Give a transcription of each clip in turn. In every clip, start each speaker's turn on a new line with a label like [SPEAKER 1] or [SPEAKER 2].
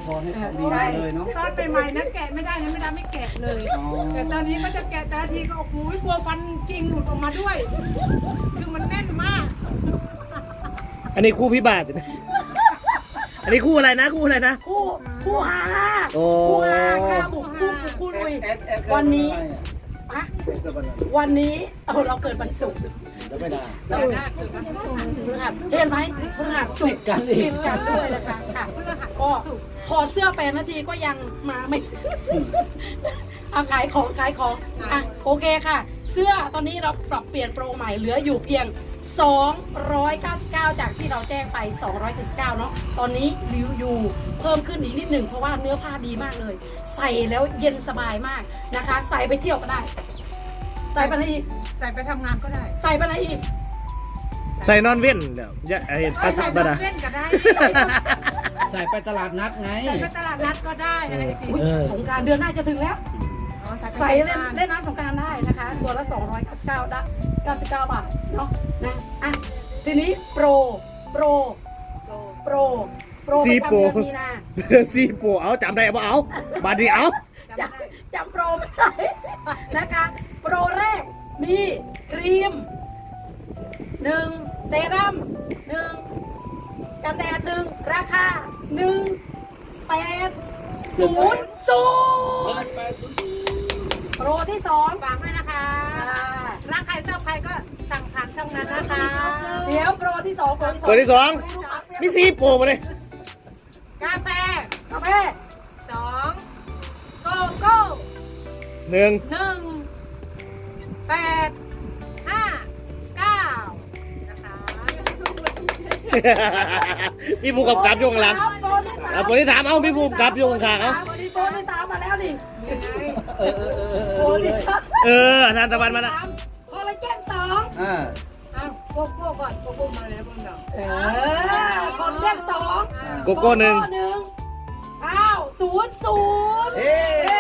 [SPEAKER 1] สอนให้ของดีมาเลยเนาะ
[SPEAKER 2] ตอนใหม่ๆนะแกะไม่ได้นะไม่ได้ไม่แกะเลย แต่ตอนนี้ก็จะแกะแต่ละทีก็โอ้โหกลัวฟันจริงหลุดออกมาด้วย คือมันแน่นมาก
[SPEAKER 3] อันนี้คู่พิบาทอันนี้คู่อะไรนะคู่อะไรนะ
[SPEAKER 4] คู่หา
[SPEAKER 3] โอ้
[SPEAKER 4] คู่หาค่ะบุกคู่ลุยวันนี้อะวันนี้เราเกิดวันศุกร์
[SPEAKER 1] แล้วไม่ได้
[SPEAKER 4] เราพฤหัสเห็นไหมพฤหัสศุกร์ติดกันด้วยนะคะค่ะก็ถอดเสื้อ8 นาทีก็ยังมาไม่เอาขายของอ่ะโอเคค่ะ เสื้อตอนนี้เราปรับเปลี่ยนโปรใหม่เหลืออยู่เพียง299จากที่เราแจ้งไป219เนาะตอนนี้ริวอยู่เพิ่มขึ้นอีกนิดหนึ่งเพราะว่าเนื้อผ้าดีมากเลย ใส่แล้วเย็นสบายมากนะคะ ใส่ไปเที่ยวก็ได้ ใส่ไปอะไรอีก
[SPEAKER 2] ใส่ไปทำงานก็ได้
[SPEAKER 4] ใส่ไปอะไรอีก
[SPEAKER 3] ใส่นอนเว้นเดี๋ยวจะเห็นภาษาบ้านะ
[SPEAKER 2] เล่นก็ได้
[SPEAKER 1] ใส่ไปตลาดนัดไง
[SPEAKER 2] ใส่ไปตลาดนัดก็ได้อะไรจริง
[SPEAKER 4] อุ๊ยสงกรานต์เดือนหน้าจะถึงแล้ว ใส่เล่นน้ำสงกรานต์ได้นะคะ ตัวละ299ได้99 บาทเนาะนะอ่ะทีนี้โปรประจำเดือนมีนา
[SPEAKER 3] ซีโปเอาจำได้ป่ะเอาบาดดีเอา
[SPEAKER 4] จำโปรไม่ได้นะคะ โปรแรกมีครีม1เซรั่ม1กันแดด1ราคา1800โปรที่2
[SPEAKER 2] ฝากด้วยนะคะรักใครชอบใครก็สั่งผ่านช่องนั้นนะคะ
[SPEAKER 4] เดี๋ยวโปรที่2
[SPEAKER 3] ตัวที่สองมีซีโปมาเลย
[SPEAKER 2] กาแฟ
[SPEAKER 4] กาแฟ
[SPEAKER 2] 2โกโก้
[SPEAKER 3] หนึ่ง
[SPEAKER 2] 1 8 5 9นะคะ
[SPEAKER 3] พี่ภูมิกับอยู่ข้างหลัง
[SPEAKER 4] โปรที่3
[SPEAKER 3] เอาคนที่ถามเอาพี่ภูมิกับอยู่ข้างๆเอา
[SPEAKER 4] โปรที่3มาแล้วดิโปรที่3
[SPEAKER 3] ทานตะวันมาแล้ว
[SPEAKER 4] คอลลาเจน2
[SPEAKER 1] อ่า
[SPEAKER 2] อ้าวโกโก้ก่อนโกโก้มาแล้วบนดอก
[SPEAKER 4] คอลลาเจน2
[SPEAKER 3] โกโก้หนึ่ง
[SPEAKER 4] 900
[SPEAKER 1] เอ๊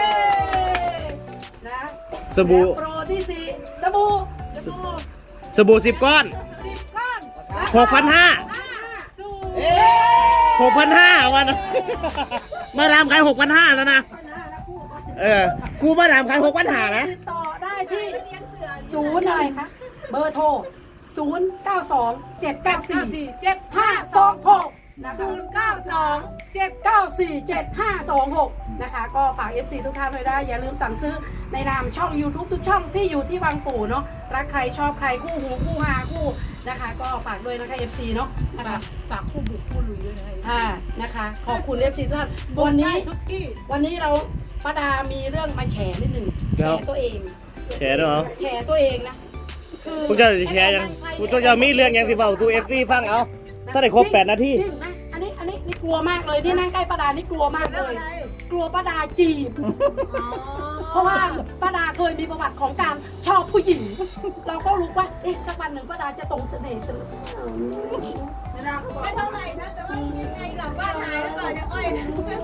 [SPEAKER 4] นะ
[SPEAKER 3] สบู่
[SPEAKER 4] แล้วโปรที่4สบู่
[SPEAKER 3] สบู่10 ก้อน
[SPEAKER 2] 10 ก้อน
[SPEAKER 3] 6,500
[SPEAKER 2] สู
[SPEAKER 3] 6,500วันมาดามขาย6,500แล้วนะกูมาดามขาย6,500นะ
[SPEAKER 4] ติดต่อได้ที่ศูนย์อะไรคะเบอร์โทร092 794 7526นะคะ
[SPEAKER 2] 092
[SPEAKER 4] 7947526นะคะก็ฝาก FC ทุกท่านเลยได้อย่าลืมสั่งซื้อในนามช่อง YouTube ทุกช่องที่อยู่ที่วังปู่เนาะรักใครชอบใครคู่หูคู่หาคู่นะคะก็ฝากด้วยนะคะ FC เนาะนะคะ
[SPEAKER 2] ฝากคู่บุกคู่ลุยด้วยนะคะ
[SPEAKER 4] ค่ะนะคะขอบคุณ FC ทุกท่านวันนี้
[SPEAKER 2] ทุกที่
[SPEAKER 4] วันนี้เราป้าดามีเรื่องมาแฉนิดหนึ่งแฉตัวเอง
[SPEAKER 3] แชร์ด้วยเหรอ
[SPEAKER 4] แฉตัวเองนะคือ
[SPEAKER 3] พวกเจ้าจะแชร์ยังพวกเจ้าจะมีเรื่องยังสิเปล่าตูFC ฟังเอาถ้าได้ครบ8 นาที
[SPEAKER 4] จริงนะอันนี้นี่กลัวมากเลยนี่นั่งใกล้ป้าดานี่กลัวมากเลย กลัวป้าดาจีบ เพราะว่าป้าดาเคยมีประวัติของการชอบผู้หญิง เราก็รู้ว่าเอ๊ะสักวันหนึ่งป้าดาจะตรงเสน่ห์ฉัน
[SPEAKER 5] ไม่เท่าไหร่นะแต่ว่ายังไงหลังบ้านหายแล้วก่อนจะอ้อยนะ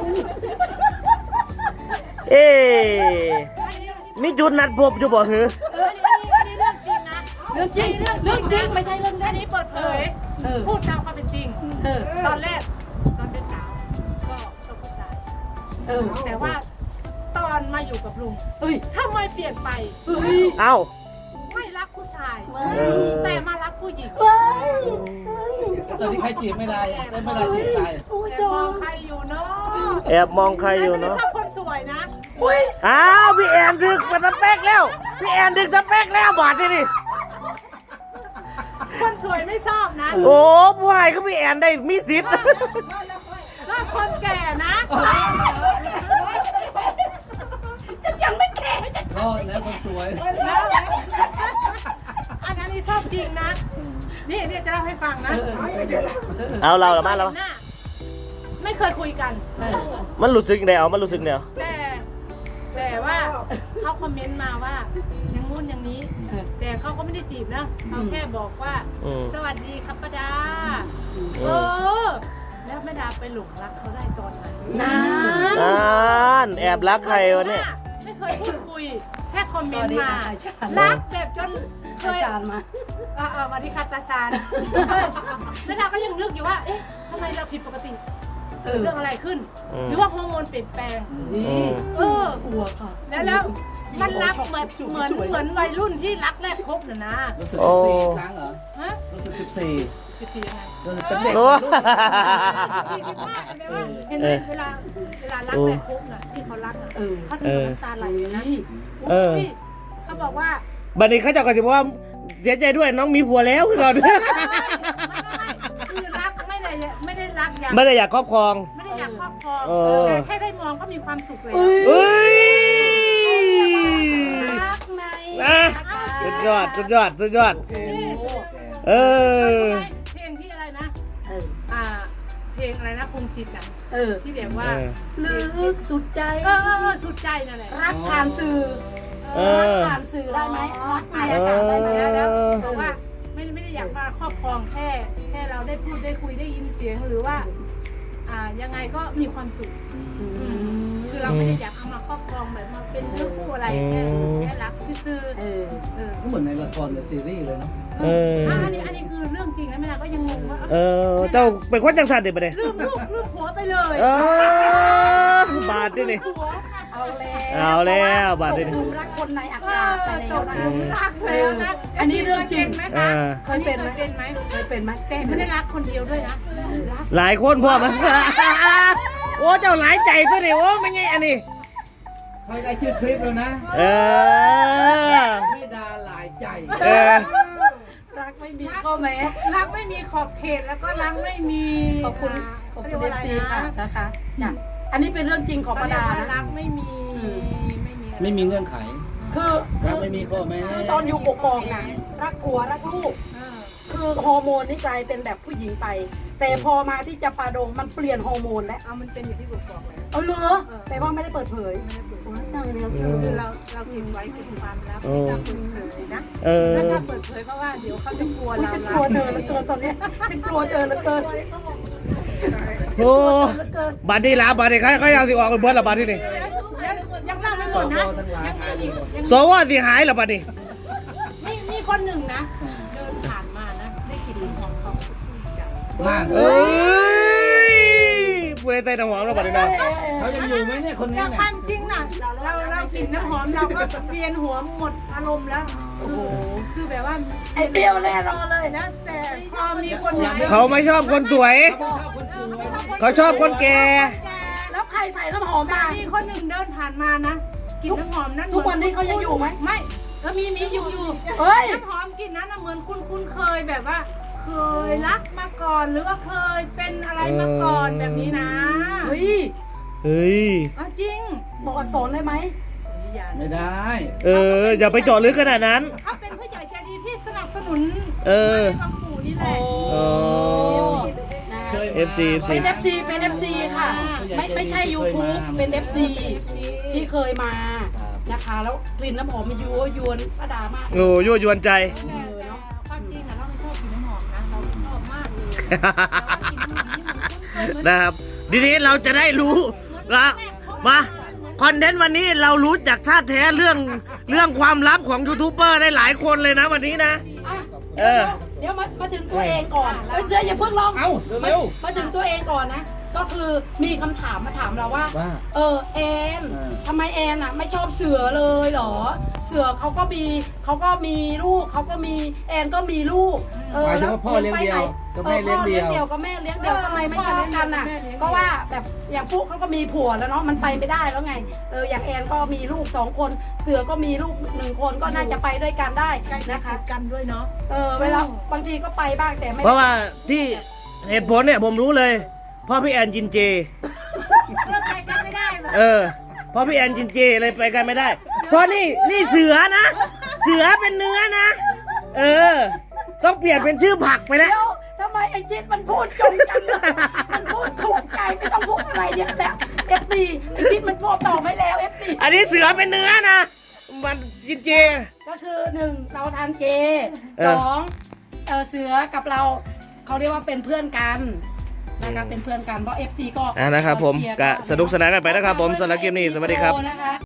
[SPEAKER 3] เอ๊มีจุดนัดพบอยู่บ่หือ
[SPEAKER 2] นี่เรื่องจริงนะ
[SPEAKER 4] เรื่องจริงไม่ใช่เรื่อง
[SPEAKER 2] อั
[SPEAKER 4] เล่
[SPEAKER 2] น
[SPEAKER 4] น
[SPEAKER 2] นี้เปิดเผย พูดตามความเป็นจริง ตอนแรกตอนเป็นสาวก็ชอบผู้ชาย แต่ว่าตอนมาอยู่กับลุง
[SPEAKER 4] เฮ้ย
[SPEAKER 2] ทำไมเปลี่ยนไป
[SPEAKER 3] เอ้า
[SPEAKER 2] ไม่รักผู้ชาย
[SPEAKER 3] เออ
[SPEAKER 2] แต่มารักผู้หญิง
[SPEAKER 1] ตอนนี้ใครจีบไม่ได้ไม่ได้จีบตาย
[SPEAKER 2] แต่มองใครอยู่เนาะ
[SPEAKER 3] แอบมองใครอยู่
[SPEAKER 2] แต่ไม่
[SPEAKER 3] เนาะ
[SPEAKER 2] ชอบคนสวยนะ
[SPEAKER 3] อ้าวพี่แอนดึกเป็นสเปกแล้วพี่แอนดึกสเปกแล้วบาดที่นี่
[SPEAKER 2] คนสวยไม่ชอบนะ
[SPEAKER 3] โอ้ผู้ชายก็พี่แอนได้มีสิทธิ์
[SPEAKER 2] ชอบคนแก่นะ
[SPEAKER 4] ฉันยังไม่แก่จะ
[SPEAKER 1] รอดแล้วคนสวย
[SPEAKER 2] อันนี้ชอบจริงนะ นี่จะเล่าให้ฟังนะ
[SPEAKER 3] เอาเราละมาแล้ว
[SPEAKER 2] หน้าไม่เคยคุยกัน
[SPEAKER 3] มันรู้สึกเดียวมันรู้สึกเดียว
[SPEAKER 2] แต่ว่าเขาคอมเมนต์มาว่าอย่างงู้นอย่างนี้ แต่เขาก็ไม่ได้จีบนะเขาแค่บอกว่า สวัสดีครับป้าดาแล้วแม่ดาไปหลงรักเขาได้ตอนไหน
[SPEAKER 3] แอบรักใครวะเนี่ย
[SPEAKER 2] ไม่เคยพูดคุยแค่คอมเมนต์มา
[SPEAKER 4] อาจารย์
[SPEAKER 2] รักแบบจนเคย
[SPEAKER 4] มา
[SPEAKER 2] สวัสดีค่ะตาซานแม่ดาก็ยังนึกอยู่ว่าเอ๊ะทำไมเราผิดปกติเกิดเรื่องอะไรขึ้น หรือว่าฮอร์โมนเปลี่ยนแปลง
[SPEAKER 4] นี่
[SPEAKER 2] กลัวค่ะแล้วมันรักเหมือนวัยรุ่นที่รักแรกพบนะ
[SPEAKER 1] รู้สึก14 ครั้งเหรอ
[SPEAKER 2] ฮะ
[SPEAKER 1] รู้สึก14
[SPEAKER 2] 14ยังไง
[SPEAKER 1] รู้สึกเป็นเด็ก
[SPEAKER 3] โอ้
[SPEAKER 2] เห็นไหมเวลารักแรกพบน่ะที่เขารักน่ะเขาถึงน้ำตาไหลนะเขาบอกว่า
[SPEAKER 3] บัดนี้เขาเจะก็จะบอกว่าเสียใจด้วยน้องมีผัวแล้วคือเรา
[SPEAKER 2] คือรักไม่ได้รักอย่าง
[SPEAKER 3] ไม่ได้อยากครอบครอง
[SPEAKER 2] ไม่ได้อยากครอบครอง
[SPEAKER 3] แต่
[SPEAKER 2] แค่ได้มองก็มีความสุขแล้ว
[SPEAKER 3] เฮ้ย
[SPEAKER 4] รักใน
[SPEAKER 3] สุดยอดสุดยอดสุดยอดเออ
[SPEAKER 2] เพลงที่อะไรนะเพลงอะไรนะพงศิษฐ์อ่ะที่แบบว่า
[SPEAKER 4] ลึกสุดใจ
[SPEAKER 2] สุดใจนั่นแหละ
[SPEAKER 4] รักผ่านสื่อรักผ่านสื่อได้ไหมรักในอากาศได้ไหม
[SPEAKER 2] แล้วเพราะว่าไม่ได้อยากมาครอบครองแค่เราได้พูดได้คุยได้ยินเสียงหรือว่ายังไงก็มีความสุขคือเราไม่ได้อยากเอามาครอบครองแบบมาเป็นเรื่องคู่อะไรแค่รักซื่อๆ
[SPEAKER 1] ก็เหมือนในละครในซีรีส์เลยเนาะ
[SPEAKER 2] อันนี้คือเรื่องจริงนะแม่นาก็ยังงงว่า
[SPEAKER 3] เจ้าเป็นคนจังสันเด็ดปะเนี่ย
[SPEAKER 2] ลืมลูกลืมผัวไปเลย
[SPEAKER 3] บาดด้วยนี่
[SPEAKER 4] เอา
[SPEAKER 3] เอาแล้วบาดด้วย
[SPEAKER 4] ต
[SPEAKER 3] นี่
[SPEAKER 4] กหลุมรักคนในอากาศไปแล้วนะ
[SPEAKER 2] รักแล้วนะ
[SPEAKER 4] อันนี้เรื่องจริง
[SPEAKER 2] ไหม
[SPEAKER 3] อ่า
[SPEAKER 2] คะ
[SPEAKER 4] เคยเป็นไหม
[SPEAKER 2] เป็นไหม
[SPEAKER 4] เคยเป็นไหม
[SPEAKER 2] แต่ไม่ได้รักคนเดียวด้วยนะรัก
[SPEAKER 3] หลายคนพ่อมัน โอ้เจ้าหลายใจซะดิโอ้ไม่ไงอันนี้
[SPEAKER 1] ใครได้ชื่อคลิปแล้วนะ ไม่ดาหลายใจ
[SPEAKER 4] รักไม่มีข้อแม้
[SPEAKER 2] รักไม่มีขอบเขตแล้วก็รักไม่มี
[SPEAKER 4] ขอบคุณเอฟซีค่ะนะคะจ้ะอันนี้เป็นเรื่องจริงของป้าดา
[SPEAKER 2] รั
[SPEAKER 4] นะ
[SPEAKER 2] กไม่มี
[SPEAKER 1] ไม่มีเงื่อนไข
[SPEAKER 4] คือ
[SPEAKER 1] รักไม่มีข้อแม้
[SPEAKER 4] ตอนอยู่กกอกน่ะรักผัวรักลูก คือฮอร์โมนนี่กลายเป็นแบบผู้หญิงไป แต่พอมาที่จะปาดงมันเปลี่ยนฮอร์โมนแล้ว
[SPEAKER 2] เอามันเป็นอยู่ที่กกอกเลย
[SPEAKER 4] เอาเหรอแต่ว่าไม่ได้เปิดเผย
[SPEAKER 2] คือเราเก็บไว้เป็นความลับไม่ต้องเปิดเผยนะแล้วถ้าเปิดเผยเพราะว่าเดี๋ยวเขาจะกลัวเรา
[SPEAKER 4] ฉันกลัวเธอเหลือเกินตอนนี้ฉันกลัวเธอเหลือเกิน
[SPEAKER 3] โอ้บาดนี้ละบาดนี้เขาอยากสิออกเป็นเบิร์ดละบาดนี้นี่
[SPEAKER 2] ยังเล่าไม่ห
[SPEAKER 1] ส
[SPEAKER 2] มด
[SPEAKER 1] ว
[SPEAKER 2] นะ
[SPEAKER 1] ทั้งหลาย
[SPEAKER 2] ยังมีอีก
[SPEAKER 3] สวสิหายละบาดนี้
[SPEAKER 2] มีคนหนึ่งนะเดินผ่านมานะได้กลิ่นน้ำหอมของจับ
[SPEAKER 1] มาก
[SPEAKER 3] เอ้ยผู้ใดเตะน้ำหอมละบาดนี้นะ
[SPEAKER 1] เขายังอยู่ไหมเนี่ยคนนี้
[SPEAKER 2] แต่
[SPEAKER 1] เนี่ย
[SPEAKER 2] ความจริงน่ะเรากลิ่นน้ำหอมเราก็เวียนหัวหมดอารมณ์แล้วคือแบบว่า
[SPEAKER 4] ไอ้เปรี้ยวแน่รอเลย
[SPEAKER 2] นะแต่พอมีคนอย่าง
[SPEAKER 3] เขาไม่ชอบคนสวย เขาชอบคนแก่
[SPEAKER 4] แล้วใครใส่น้ำหอมมา
[SPEAKER 2] มีคนหนึ่งเดินผ่านมานะกลิ่นน้ำหอมนั้น
[SPEAKER 4] ทุกวันนี้เขายังอยู่ไหม
[SPEAKER 2] ไม่ก็มีอยู่
[SPEAKER 4] เฮ้ย
[SPEAKER 2] น้ำหอมกลิ่นนั้นน่ะเหมือนคุณเคยแบบว่า เคยรักมาก่อนหรือว่าเคยเป็นอะไรมาก่อนแบบนี้นะ
[SPEAKER 4] เฮ้ย
[SPEAKER 3] เฮ้ย
[SPEAKER 2] จริง
[SPEAKER 4] บอกอักษรได้ไหม
[SPEAKER 1] ไม่ได้
[SPEAKER 3] อย่าไปเจาะลึกขนาดนั้น
[SPEAKER 2] เขาเป็นผู้ใหญ่ใจดีที่สนับสนุน
[SPEAKER 3] เ
[SPEAKER 2] บางปู่นี่แหละ
[SPEAKER 1] เคย
[SPEAKER 3] FC
[SPEAKER 4] เป็น FC เป็น FC ค่ะ ไม่ใช่ YouTube เป็น FC ที่เคยมานะคะ แล้วกลิ่นน้ำหอมมันยั่วยวนป้าดามาก
[SPEAKER 3] โอ้ยั่วยวนใจ
[SPEAKER 2] ความจริงอะเราไม่ชอบกลิ่นน้ำหอมนะเราชอบมากเลยเรากลิ่นน้ำหอมนี่มันคุ้นเคยเหมือน
[SPEAKER 3] นะครับทีนี้เราจะได้รู้ละมาคอนเทนต์วันนี้เรารู้จากท่าแท้เรื่องความลับของยูทูบเบอร์ได้หลายคนเลยนะวันนี้นะ
[SPEAKER 4] เดี๋ยวมาถึงตัวเองก่อนเสื้ออย่าเพิ่งลอง
[SPEAKER 1] เอ้าเร็ว
[SPEAKER 4] มาถึงตัวเองก่อนนะ ก็คือมีคำถามมาถามเราว่า แอนทำไมแอนอ่ะไม่ชอบเสือเลยเหรอ เสือเขาก็มีลูกเขาก็มีแอนก็มีลูก
[SPEAKER 1] หมายถึงว่าพ่อเลี้ยงเดียวกับแม่เลี้ยงเดียว
[SPEAKER 4] พ่อเลี้ยงเดียวกับแม่เลี้ยงเดียวทำไมไม่ชอบกันอ่ะ ก็ว่าแบบอย่างปุ๊เขาก็มีผัวแล้วเนาะมันไปไม่ได้แล้วไงอย่างแอนก็มีลูก2 คนเสือก็มีลูก1 คนก็น่าจะไปด้วยกันได้นะคะ
[SPEAKER 2] กันด้วยเนาะ
[SPEAKER 4] เวลาบางทีก็ไปบ้างแต่ไม่
[SPEAKER 3] เพราะว่าที่เหตุผลเนี่ยผมรู้เลยเพ่อพี่แอนกินเจ
[SPEAKER 2] เราไปกันไม่ได้แบบ
[SPEAKER 3] เพราะพี่แอนกินเจเลยไปกันไม่ได้ เพราะนี่เสือนะ เสือเป็นเนื้อนะ ต้องเปลี่ยนเป็นชื่อผักไปแล้ว
[SPEAKER 4] เดี๋ยวทำไมไอ้จิตมันพูดจงกันเลยมันพูดถูกใจไม่ต้องพูดอะไรเยอะแล้ว FC ไอ้จิตมันพูดต่อไม่แล้ว FC
[SPEAKER 3] อันนี้เสือเป็นเนื้อนะ มันกินเจ
[SPEAKER 4] ก็คือ1เราทานเจ
[SPEAKER 3] เออ
[SPEAKER 4] 2เสือกับเราเขาเรียกว่าเป็นเพื่อนกันนะคะเป็นเพื่อนกันเพราะ FC ก็
[SPEAKER 3] นะครับผม
[SPEAKER 4] เชียร์
[SPEAKER 3] ก็สนุกสนานกันไปนะครับผมสำหรับเกมนี้สวัสดีครับ
[SPEAKER 4] นะคะ